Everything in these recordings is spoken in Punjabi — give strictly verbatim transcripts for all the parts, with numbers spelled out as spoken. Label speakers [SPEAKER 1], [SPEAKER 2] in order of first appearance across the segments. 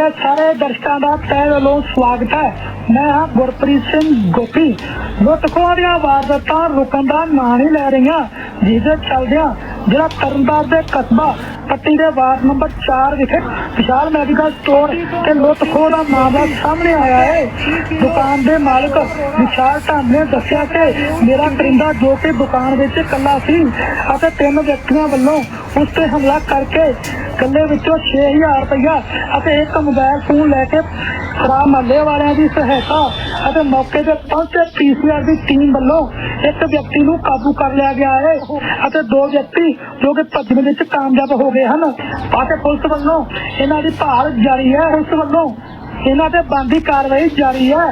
[SPEAKER 1] मेरे सारे दर्शकों का तहे दिलों स्वागत है। मैं हाँ गुरप्रीत सिंह गोपी। लुटखों दी वारदातां रुकण दा नां नहीं लै रही, जिसदे चलदियां जिला तरनताਰਨ दे कस्बा पट्टी के वार्ड नंबर चार विखे विशाल मैडिकल स्टोर के लुटखोह का मामला सामने आया है। दुकान के मालिक विशाल ढंड ने दस्सिया कि मेरा करिंदा जो कि दुकान विच कल्ला सी अते तीन व्यक्तियों वल्लों उस पर हमला करके गले विचों छे हजार रुपया अते एक मोबाइल फोन लैके खराब महल्ले वालियां की सहायता अते मौके पर पहुंचे पीसीआर की टीम वल्लों एक व्यक्ति नूं काबू कर लिया गया है अते दो व्यक्ति जो कि भजन विच कामयाब हो गए हैं। पासे पुलिस वल्लों इन्हां दी भाल जारी है। पुलिस वल्लों इन्हां ते बनदी कार्रवाई जारी है।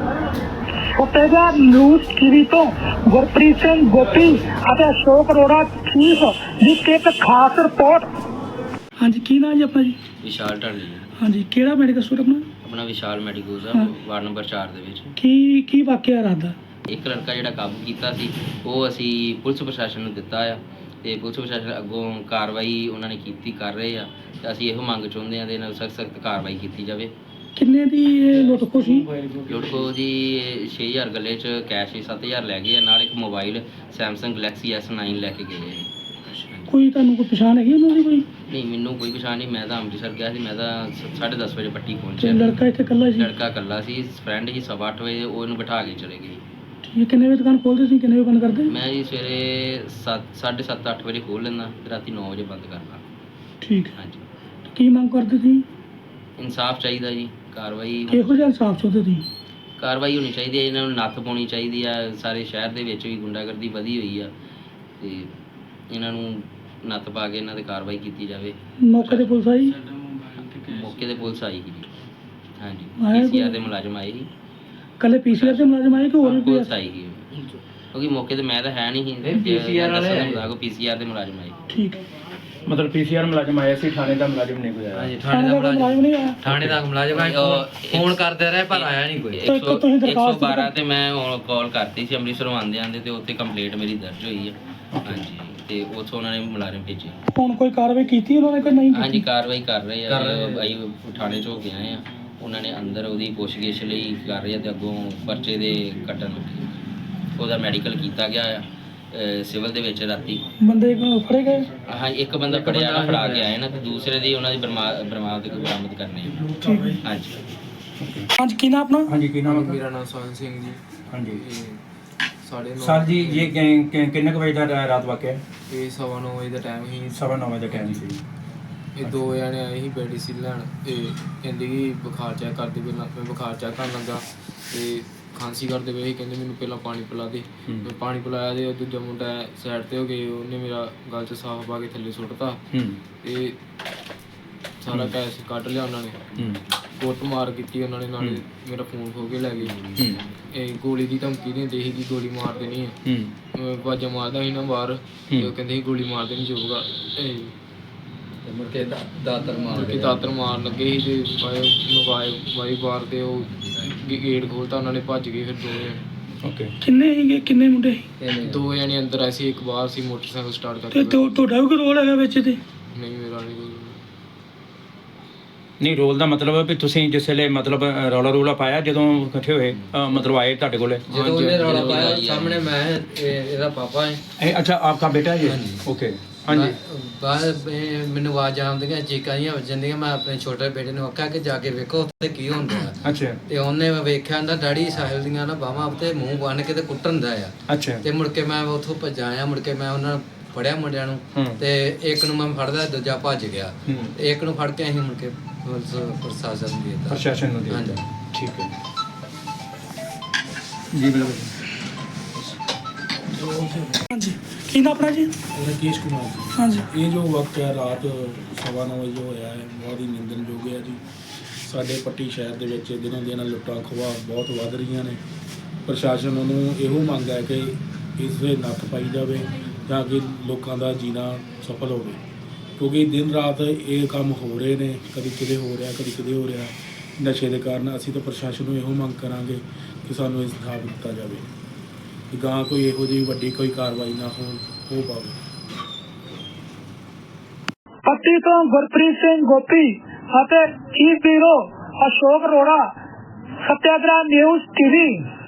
[SPEAKER 1] फतेहगढ़ न्यूज़ टीवी तो गुरप्रीत सिंह गोपी अते अशोक अरोड़ा चीफ की एक खास रिपोर्ट। हाँ जी, की नाम जी अपना जी?
[SPEAKER 2] विशाल ढंड जी।
[SPEAKER 1] हाँ जी, केड़ा मेडिकल स्टोर अपना?
[SPEAKER 2] अपना विशाल मैडिकल
[SPEAKER 1] हाँ।
[SPEAKER 2] वार्ड नंबर चार ਦੇ ਵਿੱਚ
[SPEAKER 1] की की वाकया रहा?
[SPEAKER 2] ਇੱਕ ਲੜਕਾ ਜਿਹੜਾ ਕਾਬੂ ਕੀਤਾ ਸੀ ਉਹ ਅਸੀਂ ਪੁਲਿਸ ਪ੍ਰਸ਼ਾਸਨ ਨੂੰ ਦਿੱਤਾ ਆ ਤੇ ਪੁਲਿਸ ਪ੍ਰਸ਼ਾਸਨ ਅੱਗੋਂ ਕਾਰਵਾਈ ਉਹਨਾਂ ਨੇ ਕੀਤੀ ਕਰ ਰਹੇ ਆ ਤੇ ਅਸੀਂ ਇਹੋ ਮੰਗ ਚਾਹੁੰਦੇ ਆ ਦੇ ਨਾਲ ਸਖਤ ਸਖਤ ਕਾਰਵਾਈ ਕੀਤੀ ਜਾਵੇ।
[SPEAKER 1] ਕਿੰਨੇ ਦੀ ਲੁੱਟ ਖੋਹ ਸੀ?
[SPEAKER 2] ਲੁੱਟ ਖੋਹ ਦੀ ਛੇ ਹਜ਼ਾਰ ਗੱਲੇ 'ਚ ਕੈਸ਼ ਸੱਤ ਹਜ਼ਾਰ ਲੈ ਗਏ ਆ, ਨਾਲ ਇੱਕ mobile Samsung Galaxy S nine ਲੈ ਕੇ ਗਏ ਆ।
[SPEAKER 1] ਕੋਈ ਤੁਹਾਨੂੰ ਕੋਈ ਪਛਾਣ ਹੈਗੀ ਉਹਨਾਂ ਦੀ? ਕੋਈ
[SPEAKER 2] ਨਹੀਂ, ਮੈਨੂੰ ਕੋਈ ਪਛਾਣ ਨਹੀਂ। ਮੈਂ ਤਾਂ ਅੰਮ੍ਰਿਤਸਰ ਗਿਆ ਸੀ। ਮੈਂ ਤਾਂ ਸਾਢੇ ਦਸ ਵਜੇ ਪੱਟੀ ਪਹੁੰਚਿਆ।
[SPEAKER 1] ਲੜਕਾ ਇੱਥੇ ਇਕੱਲਾ ਸੀ?
[SPEAKER 2] ਲੜਕਾ ਇਕੱਲਾ ਸੀ, ਫਰੈਂਡ ਸੀ। ਸਵਾ ਅੱਠ ਵਜੇ ਉਹਨੂੰ ਬਿਠਾ ਕੇ ਚਲੇ ਗਏ।
[SPEAKER 1] ਠੀਕ, ਕਿੰਨੇ ਵਜੇ ਦੁਕਾਨ ਖੋਲਦੇ ਸੀ, ਕਿੰਨੇ ਵਜੇ ਬੰਦ ਕਰਦੇ?
[SPEAKER 2] ਮੈਂ ਜੀ ਸਵੇਰੇ ਸੱਤ ਸਾਢੇ ਸੱਤ ਅੱਠ ਵਜੇ ਖੋਲ੍ਹ ਲੈਂਦਾ ਤੇ ਰਾਤੀ ਨੌ ਵਜੇ ਬੰਦ ਕਰਦਾ।
[SPEAKER 1] ਠੀਕ,
[SPEAKER 2] ਹਾਂਜੀ।
[SPEAKER 1] ਕੀ ਮੰਗ ਕਰਦੇ ਸੀ?
[SPEAKER 2] ਇਨਸਾਫ ਚਾਹੀਦਾ ਜੀ, ਕਾਰਵਾਈ
[SPEAKER 1] ਕਿਹੋ ਜਿਹਾ ਇਨਸਾਫ ਚਾਹੁੰਦੇ ਸੀ?
[SPEAKER 2] ਕਾਰਵਾਈ ਹੋਣੀ ਚਾਹੀਦੀ ਹੈ, ਇਹਨਾਂ ਨੂੰ ਨੱਥ ਪਾਉਣੀ ਚਾਹੀਦੀ ਆ। ਸਾਰੇ ਸ਼ਹਿਰ ਦੇ ਵਿੱਚ ਵੀ ਗੁੰਡਾਗਰਦੀ ਵਧੀ ਹੋਈ ਆ ਤੇ ਇਹਨਾਂ ਨੂੰ ਨੱਥ ਪਾ ਕੇ ਇਹਨਾਂ 'ਤੇ ਕਾਰਵਾਈ ਕੀਤੀ ਜਾਵੇ।
[SPEAKER 1] ਮੌਕੇ ਤੇ ਪੁਲਿਸ ਆਈ?
[SPEAKER 2] ਮੌਕੇ ਤੇ ਪੁਲਿਸ ਆਈ ਸੀ ਜੀ। ਹਾਂਜੀ,
[SPEAKER 1] ਆਇਆ
[SPEAKER 2] ਪੀਸੀਆਰ
[SPEAKER 1] ਕੋਈ?
[SPEAKER 2] ਦੇ ਮੁਲਾਜ਼ਮ ਆਏ ਸੀ।
[SPEAKER 1] ਕੱਲੇ ਪੀਸੀਆਰ ਦੇ ਮੁਲਾਜ਼ਮ ਆਏ ਕਿ ਹੋਰ ਵੀ ਕੋਈ?
[SPEAKER 2] ਪੁਲਿਸ ਆਈ ਸੀ ਕਿਉਂਕਿ ਮੌਕੇ ਤੇ ਮੈਂ ਤਾਂ ਹੈ ਨਹੀਂ ਸੀ। ਪੀਸੀਆਰ ਵਾਲੇ ਪੀਸੀਆਰ ਦੇ ਮੁਲਾਜ਼ਮ ਆਏ।
[SPEAKER 1] ਠੀਕ,
[SPEAKER 3] ਮਤਲਬ ਪੀਸੀਆਰ ਮੁਲਾਜ਼ਮ ਆਇਆ ਸੀ, ਥਾਣੇ ਦਾ ਮੁਲਾਜ਼ਮ ਨਹੀਂ ਕੋਈ ਆਇਆ?
[SPEAKER 2] ਹਾਂਜੀ,
[SPEAKER 1] ਥਾਣੇ ਦਾ ਮੁਲਾਜ਼ਮ ਨਹੀਂ ਆਇਆ?
[SPEAKER 2] ਥਾਣੇ ਦਾ ਮੁਲਾਜ਼ਮ ਫੋਨ ਕਰਦੇ ਰਹੇ ਪਰ ਆਇਆ ਨਹੀਂ ਕੋਈ।
[SPEAKER 1] ਤਾਂ ਇੱਕ ਤੁਸੀਂ
[SPEAKER 2] ਇੱਕ ਸੌ
[SPEAKER 1] ਦਰਖਾਸਤ
[SPEAKER 2] ਬਾਰਾਂ ਤੇ ਮੈਂ ਕਾਲ ਕਰਤੀ ਸੀ ਅੰਮ੍ਰਿਤਸਰੋਂ ਆਉਂਦੇ ਆਉਂਦੇ ਤੇ ਉੱਥੇ ਕੰਪਲੇਂਟ ਮੇਰੀ ਦਰਜ ਹੋਈ ਹੈ। ਹਾਂਜੀ, ਤੇ ਉੱਥੋਂ ਉਹਨਾਂ ਨੇ ਮੁਲਾਜ਼ਮ ਭੇਜੇ।
[SPEAKER 1] ਹੁਣ ਕੋਈ ਕਾਰਵਾਈ ਕੀਤੀ ਉਹਨਾਂ ਨੇ ਕਿ ਨਹੀਂ ਕੀਤੀ?
[SPEAKER 2] ਹਾਂਜੀ, ਕਾਰਵਾਈ ਕਰ ਰਹੇ ਆ। ਅਸੀਂ ਥਾਣੇ 'ਚ ਹੋ ਕੇ ਆਏ ਆ। ਉਹਨਾਂ ਨੇ ਅੰਦਰ ਉਹਦੀ ਪੁੱਛਗਿੱਛ ਲਈ ਕਰ ਰਹੇ ਆ ਤੇ ਅੱਗੋਂ ਪਰਚੇ ਦੇ ਕੱਟਣ ਲੱਗੇ। ਉਹਦਾ ਮੈਡੀਕਲ ਕੀਤਾ ਗਿਆ ਆ ਸਿਵਲ ਦੇ ਵਿੱਚ ਰਾਤੀ।
[SPEAKER 1] ਬੰਦੇ ਫੜੇ ਗਏ?
[SPEAKER 2] ਹਾਂ, ਇੱਕ ਬੰਦਾ ਫੜਿਆ ਨਾ, ਫੜਾ ਕੇ ਆਏ ਨਾ, ਤੇ ਦੂਸਰੇ ਦੀ ਉਹਨਾਂ ਦੀ ਬਰਮਾ- ਬਰਾਮਦ ਬਰਾਮਦ ਕਰਨੀ ਹੈ।
[SPEAKER 1] ਠੀਕ ਹੈ।
[SPEAKER 2] ਹਾਂਜੀ।
[SPEAKER 1] ਹਾਂਜੀ, ਕੀ ਨਾਮ ਆਪਣਾ?
[SPEAKER 3] ਹਾਂਜੀ, ਕੀ ਨਾਮ ਹੈ?
[SPEAKER 4] मेरा नाम सोहन सिंह जी।
[SPEAKER 3] ਹਾਂਜੀ
[SPEAKER 4] साढ़े नौ
[SPEAKER 3] ਸਰ ਜੀ, ਇਹ ਕਿ- ਕਿ- ਕਿੰਨੇ ਕੁ ਵਜੇ ਦਾ ਰਾ- ਰਾਤ ਵਾਕਿਆ?
[SPEAKER 4] ये सवा नौ बजे का टाइम ही।
[SPEAKER 3] ਸਵਾ ਨੌ ਵਜੇ ਦਾ ਟਾਈਮ ਸੀ।
[SPEAKER 4] ਇਹ ਦੋ ਜਣੇ ਆਏ ਸੀ ਮੈਡੀਸਿਨ ਲੈਣ। ਇਹ ਕਹਿੰਦੇ ਕਿ ਬੁਖਾਰ ਚੈੱਕ ਕਰਦੇ ਪਏ। ਮੈਂ ਬੁਖਾਰ ਚੈੱਕ ਕਰਨ ਲੱਗਾ ਤੇ ਖਾਂਸੀ ਕਰਦੇ ਪਏ ਸੀ। ਕਹਿੰਦੇ ਮੈਨੂੰ ਪਹਿਲਾਂ ਪਾਣੀ ਪਿਲਾ ਦੇ। ਮੈਂ ਪਾਣੀ ਪਿਲਾਇਆ ਤੇ ਉਹ ਦੂਜਾ ਮੁੰਡਾ ਸਾਈਡ ਤੇ ਹੋ ਗਏ। ਉਹਨੇ ਮੇਰਾ ਗਲ 'ਚ ਸਾਫ ਪਾ ਕੇ ਥੱਲੇ ਸੁੱਟਤਾ
[SPEAKER 3] ਹੂੰ
[SPEAKER 4] ਤੇ ਸਾਰਾ ਕੈਸ਼ ਕੱਢ ਲਿਆ ਉਹਨਾਂ ਨੇ।
[SPEAKER 3] ਹੂੰ
[SPEAKER 4] ਕੁੱਟ ਮਾਰ ਕੀਤੀ ਉਹਨਾਂ ਨੇ, ਨਾਲੇ ਮੇਰਾ ਫੋਨ ਖੋ ਕੇ ਲੈ ਗਏ।
[SPEAKER 3] ਹੂੰ
[SPEAKER 4] ਇਹ ਗੋਲੀ ਦੀ ਧਮਕੀ ਦਿੰਦੇ ਸੀ ਕਿ ਗੋਲੀ ਮਾਰ ਦੇਣੀ ਹੈ।
[SPEAKER 3] ਹੂੰ
[SPEAKER 4] ਵਾਜਾ ਮਾਰਦਾ ਸੀ ਨਾ ਬਾਹਰ ਤੇ ਉਹ ਕਹਿੰਦੇ ਸੀ ਗੋਲੀ ਮਾਰ ਦੇਣੀ ਜਾਊਗਾ। ਇਹ
[SPEAKER 2] ਮੁੜ ਕੇ ਦਾਤਰ ਮਾਰ
[SPEAKER 4] ਕਿ ਦਾਤਰ ਮਾਰਨ ਲੱਗੇ ਸੀ ਤੇ ਮੋਬਾਈਲ ਵਾਈ ਬਾਰ ਤੇ ਉਹ ਗੇਟ ਖੋਲਤਾ। ਉਹਨਾਂ ਨੇ ਭੱਜ ਗਏ ਫਿਰ ਦੋ
[SPEAKER 3] ਓਕੇ।
[SPEAKER 1] ਕਿੰਨੇ ਸੀਗੇ, ਕਿੰਨੇ ਮੁੰਡੇ ਸੀ?
[SPEAKER 4] ਦੋ ਜਣੇ ਅੰਦਰ ਆਏ ਸੀ, ਇੱਕ ਬਾਹਰ ਸੀ ਮੋਟਰਸਾਈਕਲ ਸਟਾਰਟ
[SPEAKER 1] ਤੇ
[SPEAKER 4] ਕਰਕੇ।
[SPEAKER 1] ਤੁ- ਤੁਹਾਡਾ ਵੀ ਕੋਈ ਰੋਲ ਹੈਗਾ ਵਿੱਚ ਤੇ?
[SPEAKER 4] ਨਹੀਂ, ਮੇਰਾ ਨਹੀਂ ਕੋਈ।
[SPEAKER 3] ਨਹੀਂ, ਰੋਲ ਦਾ ਮਤਲਬ ਹੈ ਵੀ ਤੁਸੀਂ ਜਿਸ ਵੇਲੇ ਮਤਲਬ ਅ, ਰੌਲਾ ਰੂਲਾ ਪਾਇਆ ਜਦੋਂ ਇਕੱਠੇ ਹੋਏ, ਅ, ਮਤਲਬ ਆਏ ਤੁਹਾਡੇ ਕੋਲੇ?
[SPEAKER 4] ਜਦੋਂ ਉਹਨੇ ਰੌਲਾ ਪਾਇਆ ਸਾਹਮਣੇ ਮੈਂ ਇਹਦਾ ਪਾਪਾ ਹੈ।
[SPEAKER 3] ਇਹ ਅੱਛਾ, ਆਪਕਾ ਬੇਟਾ ਹੈ? ਓਕੇ। ਹਾਂਜੀ।
[SPEAKER 4] ਬਾਅਦ ਮੈਨੂੰ ਆਵਾਜ਼ ਆਉਂਦੀਆਂ, ਚੀਕਾਂ ਜਿਹੀਆਂ ਵੱਜਣ ਦੀਆਂ। ਮੈਂ ਆਪਣੇ ਛੋਟੇ ਬੇਟੇ ਨੂੰ ਆਖਿਆ ਕਿ ਜਾ ਕੇ ਵੇਖੋ ਉੱਥੇ ਕੀ ਹੁੰਦਾ ਹੈ।
[SPEAKER 3] ਅੱਛਾ
[SPEAKER 4] ਤੇ ਉਹਨੇ ਵੇਖਿਆ ਨਾ ਡੈਡੀ ਸਾਹਿਲ ਦੀਆਂ ਨਾ ਬਾਹਾਂ ਉੱਤੇ ਮੂੰਹ ਬੰਨ ਕੇ ਤੇ ਕੁੱਟਣ ਦਾ ਆ।
[SPEAKER 3] ਅੱਛਾ।
[SPEAKER 4] ਤੇ ਮੁੜ ਕੇ ਮੈਂ ਉੱਥੋਂ ਭੱਜਾ ਆਇਆ। ਮੁੜ ਕੇ ਮੈਂ ਉਹਨਾਂ ਨੂੰ ਫੜਿਆ ਮੁੰਡਿਆਂ ਨੂੰ
[SPEAKER 3] ਹੂੰ।
[SPEAKER 4] ਤੇ ਇੱਕ ਨੂੰ ਮੈਂ ਫੜਦਾ, ਦੂਜਾ ਭੱਜ ਗਿਆ।
[SPEAKER 3] ਹੂੰ।
[SPEAKER 4] ਤੇ ਇੱਕ ਨੂੰ ਫੜ ਕੇ ਅਸੀਂ ਮੁੜ ਕੇ ਪੁਲਿਸ ਪ੍ਰਸ਼ਾਸਨ ਨੂੰ ਦੇ ਦਿੱਤਾ।
[SPEAKER 3] ਪ੍ਰਸ਼ਾਸਨ ਨੂੰ ਦੇ ਦਿੱਤਾ।
[SPEAKER 4] ਹਾਂਜੀ।
[SPEAKER 3] ਠੀਕ ਹੈ ਜੀ, ਬਿਲਕੁਲ।
[SPEAKER 1] ਹਾਂਜੀ, ਕੀ ਨਾਮ ਆਪਣਾ ਜੀ?
[SPEAKER 5] राकेश कुमार जी।
[SPEAKER 1] ਹਾਂਜੀ,
[SPEAKER 5] ਇਹ ਜੋ ਵਕਤ ਹੈ ਰਾਤ ਸਵਾ ਨੌ ਵਜੇ ਹੋਇਆ ਹੈ, ਬਹੁਤ ਹੀ ਨਿੰਦਣਯੋਗ ਹੈ ਜੀ। ਸਾਡੇ ਪੱਟੀ ਸ਼ਹਿਰ ਦੇ ਵਿੱਚ ਦਿਨੋਂ ਦਿਨ ਲੁੱਟਾਂ ਖੋਹਾਂ ਬਹੁਤ ਵੱਧ ਰਹੀਆਂ ਨੇ। ਪ੍ਰਸ਼ਾਸਨ ਨੂੰ ਇਹੋ ਮੰਗ ਹੈ ਕਿ ਇਸ 'ਤੇ ਨੱਥ ਪਾਈ ਜਾਵੇ ਤਾਂ ਕਿ ਲੋਕਾਂ ਦਾ ਜੀਣਾ ਸਫਲ ਹੋਵੇ, ਕਿਉਂਕਿ ਦਿਨ ਰਾਤ ਇਹ ਕੰਮ ਹੋ ਰਹੇ ਨੇ। ਕਦੀ ਕਿਤੇ ਹੋ ਰਿਹਾ, ਕਦੀ ਕਿਤੇ ਹੋ ਰਿਹਾ ਨਸ਼ੇ ਦੇ ਕਾਰਨ। ਅਸੀਂ ਤਾਂ ਪ੍ਰਸ਼ਾਸਨ ਨੂੰ ਇਹੋ ਮੰਗ ਕਰਾਂਗੇ ਕਿ ਸਾਨੂੰ ਇਨਸਾਫ ਦਿੱਤਾ ਜਾਵੇ, ਕਿ ਗਾਂ ਕੋਈ ਇਹੋ ਜਿਹੀ ਵੱਡੀ ਕੋਈ ਕਾਰਵਾਈ ਨਾ ਹੋ ਹੋ ਪਾਵੇ।
[SPEAKER 1] ਪੱਟੀ ਤੋਂ ਗੁਰਪ੍ਰੀਤ ਸਿੰਘ ਗੋਪੀ, ਅਤੇ chief bureau Ashok Arora, Satyagraha news TV.